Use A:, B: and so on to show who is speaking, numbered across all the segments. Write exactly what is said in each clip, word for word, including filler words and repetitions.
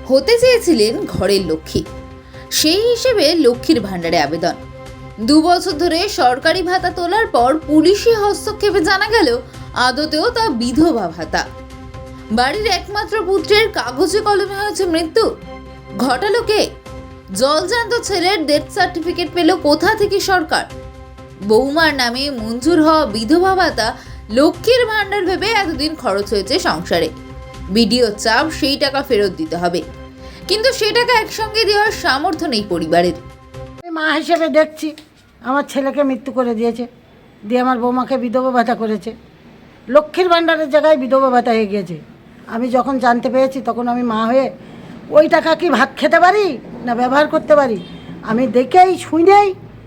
A: হতে চেয়েছিলেন ঘরের লক্ষ্মী। সেই হিসেবে লক্ষ্মীর ভাণ্ডারে আবেদন। দু বছর ধরে সরকারি ভাতা তোলার পর পুলিশি হস্তক্ষেপে জানা গেল আদতেও তা বিধবা ভাতা। বাড়ির একমাত্র পুত্রের কাগজে কলমে হয়েছে মৃত্যু। ঘটালো কে? জলজান্ত ছেলের ডেথ সার্টিফিকেট পেল কোথা থেকে সরকার? বৌমার নামে মঞ্জুর হওয়া বিধবা ভাতা লক্ষ্মীর ভাণ্ডার ভেবে এতদিন খরচ হয়েছে সংসারে। বিডিও চাপ সেই টাকা ফেরত দিতে হবে, কিন্তু সেই টাকা একসঙ্গে দেওয়ার সামর্থ্য নেই পরিবারের।
B: মা হিসেবে দেখছি আমার ছেলেকে মৃত্যু করে দিয়েছে, দিয়ে আমার বৌমাকে বিধবা ভাতা করেছে। লক্ষ্মীর ভাণ্ডারের জায়গায় বিধবা ভাতা হয়ে গিয়েছে। আমি যখন জানতে পেরেছি তখন আমি মা হয়ে ওই টাকা কি ভাত খেতে পারি না ব্যবহার করতে পারি, আমি দেখেই শুনেই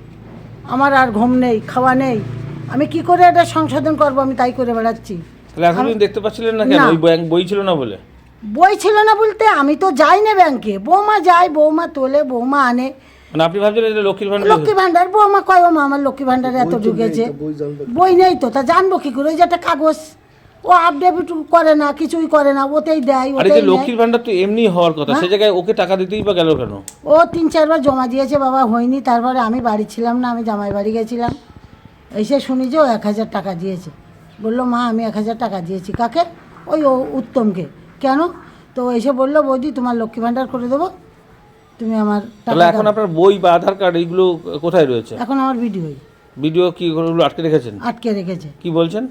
B: আমার আর ঘুম নেই, খাওয়া নেই। আমি কি করে এটা সংশোধন করব, আমি তাই করে বেড়াচ্ছি।
C: তাহলে এতদিন দেখতে পাচ্ছিলেন না কেন? ওই ব্যাংক বই ছিল না বলে?
B: বই ছিল না বলতে আমি তো যাই না ব্যাংকে, বৌমা যায়, বৌমা তোলে, বৌমা আনে।
C: মানে আপনি ভাবছিলেন এটা লক্ষ্মীর ভাণ্ডার?
B: লক্ষ্মী ভাণ্ডার, বৌমা কয় ও মা আমার লক্ষ্মী ভাণ্ডারে এত ঢুকেছে। বই নেই তো, তা জানবো কি করে? ওই যে একটা কাগজ, ও আপডেট করে না, কিছুই করে না, ওতেই দেয়।
C: আরে যে লক্ষ্মীর ভাণ্ডার তো এমনি হওয়ার কথা, সে জায়গায় ওকে টাকা দিতেই বা গেল কেন?
B: ও তিন চারবার জমা দিয়েছে বাবা, হয়নি। তারপরে আমি বাড়ি ছিলাম না, আমি জামাই বাড়ি গেছিলাম। এসে শুনি যে ও এক হাজার টাকা দিয়েছে। বললো মা আমি এক হাজার টাকা দিয়েছি। কাকে? ওই ও উত্তমকে। কেন? তো এসে বললো বৌদি তোমার লক্ষ্মী ভাণ্ডার করে দেবো, তুমি আমার
C: তাহলে এখন আপনার বই বা আধার কার্ড এইগুলো কোথায় রয়েছে?
B: এখন আমার ভিডিও
C: ভিডিও কি ওগুলো আটকে রেখেছেন?
B: আটকে রেখেছে।
C: কি বলছেন?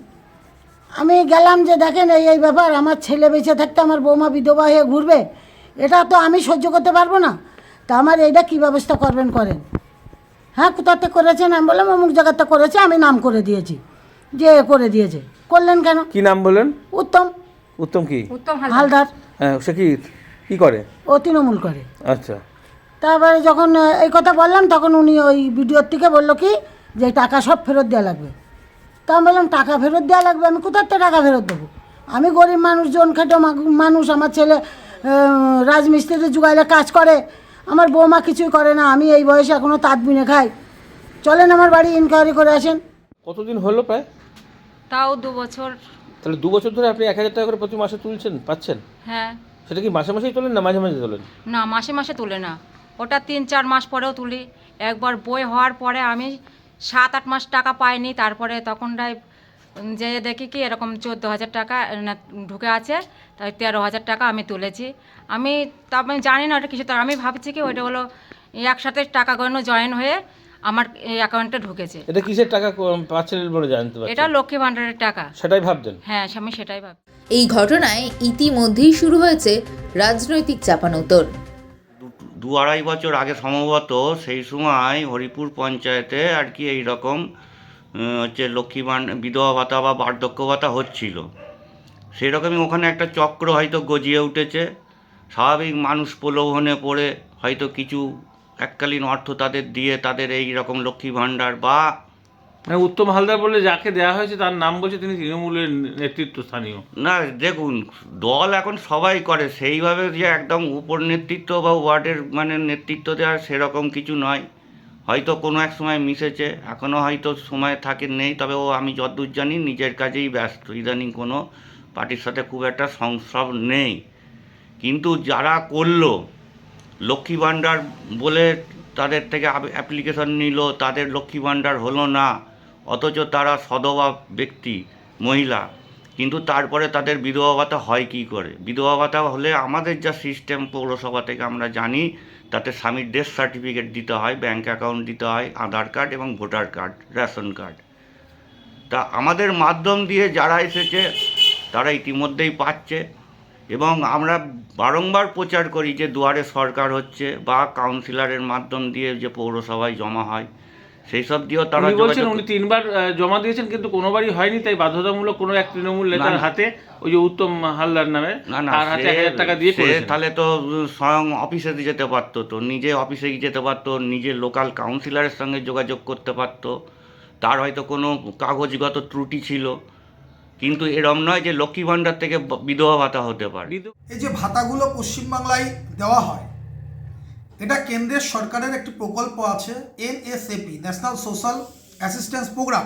B: আমি গেলাম যে দেখেন এই এই ব্যাপার, আমার ছেলে বেঁচে থাকতে আমার বৌমা বিধবা হয়ে ঘুরবে, এটা তো আমি সহ্য করতে পারবো না। তা আমার এইটা কী ব্যবস্থা করবেন করেন। হ্যাঁ কোথাতে করেছেন? আমি বললাম অমুক জায়গাতে করেছে, আমি নাম করে দিয়েছি যে করে দিয়েছে। করলেন কেন?
C: কি নাম বলেন?
B: উত্তম।
C: উত্তম কি?
B: উত্তম হালদার।
C: হ্যাঁ, সে কি কি করে?
B: ও তৃণমূল করে।
C: আচ্ছা।
B: তারপরে যখন এই কথা বললাম তখন উনি ওই ভিডিওর থেকে বললো কি যে টাকা সব ফেরত দেওয়া লাগবে। তা আমি বললাম টাকা ফেরত দেওয়া লাগবে, আমি কোথার থেকে টাকা ফেরত দেবো? আমি গরিব মানুষ, জন খেটে মানুষ, আমার ছেলে রাজমিস্ত্রিতে জুগাইলে কাজ করে, আমার বৌমা কিছুই করে না, আমি এই বয়সে এখনও তাঁত বুনে খাই। চলেন আমার বাড়ি ইনকোয়ারি করে আসেন।
C: কতদিন হলো প্রায়?
D: তাও দু বছর।
C: তাহলে দু বছর ধরে আপনি এক হাজার টাকা করে প্রতি মাসে তুলছেন, পাচ্ছেন?
D: হ্যাঁ।
C: সেটা কি মাসে মাসেই তোলেন না মাঝে মাঝে তোলেন?
D: না মাসে মাসে তুলে না, ওটা তিন চার মাস পরেও তুলি। একবার বই হওয়ার পরে আমি সাত আট মাস টাকা পাইনি, তারপরে তখনটাই যে দেখি কি এরকম চোদ্দো হাজার টাকা না ঢুকে আছে, তাই তেরো হাজার টাকা আমি তুলেছি। আমি তা আমি জানি না ওটা কিছু, তো আমি ভাবছি কি ওইটা হলো একসাথে টাকাগুলো জয়েন হয়ে আমার এই অ্যাকাউন্টে ঢুকেছে।
C: এটা কিসের টাকা পাচ্ছেন বলে জানতে পারছেন?
D: এটা লক্ষ্মী ভাণ্ডারের টাকা।
C: সেটাই ভাবতেন?
D: হ্যাঁ আমি সেটাই ভাব।
A: এই ঘটনায় ইতিমধ্যেই শুরু হয়েছে রাজনৈতিক চাপানোতর।
E: দু আড়াই বছর আগে সম্ভবত সেই সময় হরিপুর পঞ্চায়েতে আর কি এইরকম হচ্ছে লক্ষ্মী ভাণ্ডার বিধবা ভাতা বা বার্ধক্য ভাতা হচ্ছিল। সেরকমই ওখানে একটা চক্র হয়তো গজিয়ে উঠেছে। স্বাভাবিক মানুষ প্রলোভনে পড়ে হয়তো কিছু এককালীন অর্থ তাদের দিয়ে তাদের এই রকম লক্ষ্মী ভাণ্ডার বা
C: মানে উত্তম হালদার বলে যাকে দেওয়া হয়েছে তার নাম বলছে তিনি তৃণমূলের নেতৃত্ব স্থানীয়।
E: না দেখুন দল এখন সবাই করে, সেইভাবে যে একদম উপর নেতৃত্ব বা ওয়ার্ডের মানে নেতৃত্ব দেওয়ার সেরকম কিছু নয়। হয়তো কোনো এক সময় মিশেছে, এখনও হয়তো সময় থাকে নেই, তবে ও আমি যতদূর জানি নিজের কাজেই ব্যস্ত, ইদানিং কোনো পার্টির সাথে খুব একটা সংস্রব নেই। কিন্তু যারা করলো লক্ষ্মী ভাণ্ডার বলে তাদের থেকে অ্যাপ্লিকেশন নিল, তাদের লক্ষ্মী ভাণ্ডার হলো না, অথচ তারা সধবা ব্যক্তি মহিলা, কিন্তু তারপরে তাদের বিধবা ভাতা হয় কী করে? বিধবা ভাতা হলে আমাদের যা সিস্টেম পৌরসভা থেকে আমরা জানি, তাতে স্বামীর ডেথ সার্টিফিকেট দিতে হয়, ব্যাঙ্ক অ্যাকাউন্ট দিতে হয়, আধার কার্ড এবং ভোটার কার্ড, রেশন কার্ড। তা আমাদের মাধ্যম দিয়ে যারা এসেছে তারা ইতিমধ্যেই পাচ্ছে, এবং আমরা বারংবার প্রচার করি যে দুয়ারে সরকার হচ্ছে বা কাউন্সিলরের মাধ্যম দিয়ে যে পৌরসভায় জমা হয় সেই সব দিয়েও তারা
C: বলছেন উনি তিনবার জমা দিয়েছেন কিন্তু কোনোবারই হয়নি, তাই বাধ্যতামূলক কোনো এক তৃণমূল নেতার হাতে ওই যে উত্তম হালদার নামে তার হাতে এক হাজার টাকা দিয়ে করেছেন।
E: তাহলে তো স্বয়ং অফিসে যেতে পারতো, তো নিজে অফিসে যেতে পারতো, নিজে লোকাল কাউন্সিলরের সঙ্গে যোগাযোগ করতে পারতো, তার হয়তো কোনো কাগজগত ত্রুটি ছিল, কিন্তু এরম নয় যে লক্ষ্মী ভাণ্ডার থেকে বিধবা ভাতা হতে পারে।
F: এই যে ভাতাগুলো পশ্চিমবাংলায় দেওয়া হয়, এটা কেন্দ্রের সরকারের একটি প্রকল্প আছে N S A P, national social assistance programme.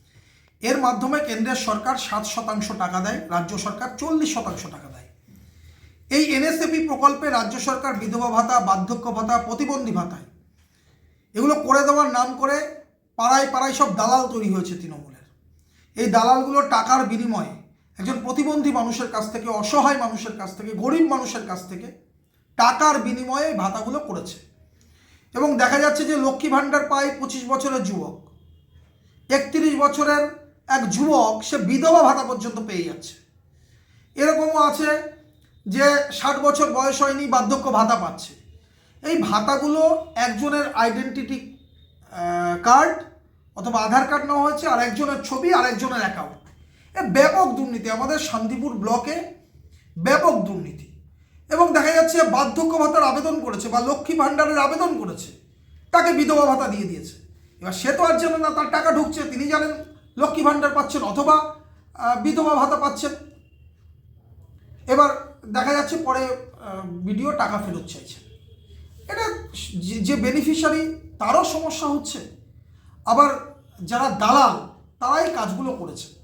F: এর মাধ্যমে কেন্দ্রের সরকার সাত শতাংশ টাকা দেয়, রাজ্য সরকার চল্লিশ শতাংশ টাকা দেয়। এই এনএসএপি প্রকল্পে রাজ্য সরকার বিধবা ভাতা, বার্ধক্য ভাতা, প্রতিবন্ধী ভাতায় এগুলো করে দেওয়ার নাম করে পাড়ায় পাড়ায় সব দালাল তৈরি হয়েছে তৃণমূলের। এই দালালগুলো টাকার বিনিময়ে একজন প্রতিবন্ধী মানুষের কাছ থেকে, অসহায় মানুষের কাছ থেকে, গরিব মানুষের কাছ থেকে টাকার বিনিময়ে ভাতাগুলো করেছে। এবং দেখা যাচ্ছে যে লক্ষ্মী ভাণ্ডার পায় পঁচিশ বছরের যুবক, একত্রিশ বছরের এক যুবক সে বিধবা ভাতা পর্যন্ত পেয়ে যাচ্ছে। এরকমও আছে যে ষাট বছর বয়স হয়নি, বার্ধক্য ভাতা পাচ্ছে। এই ভাতাগুলো একজনের আইডেন্টিটি কার্ড অথবা আধার কার্ড নেওয়া হয়েছে, আর একজনের ছবি, আর একজনের অ্যাকাউন্ট। এ ব্যাপক দুর্নীতি, আমাদের শান্তিপুর ব্লকে ব্যাপক দুর্নীতি। এবং দেখা যাচ্ছে বার্ধক্য ভাতার আবেদন করেছে বা লক্ষ্মী ভাণ্ডারের আবেদন করেছে, তাকে বিধবা ভাতা দিয়ে দিয়েছে। এবার সে তো আর জানে না তার টাকা ঢুকছে, তিনি জানেন লক্ষ্মী ভাণ্ডার পাচ্ছেন অথবা বিধবা ভাতা পাচ্ছেন। এবার দেখা যাচ্ছে পরে ভিডিও টাকা ফেরত চাইছে। এটা যে বেনিফিশিয়ারি তারও সমস্যা হচ্ছে, আবার যারা দালাল তারাই কাজগুলো করেছে।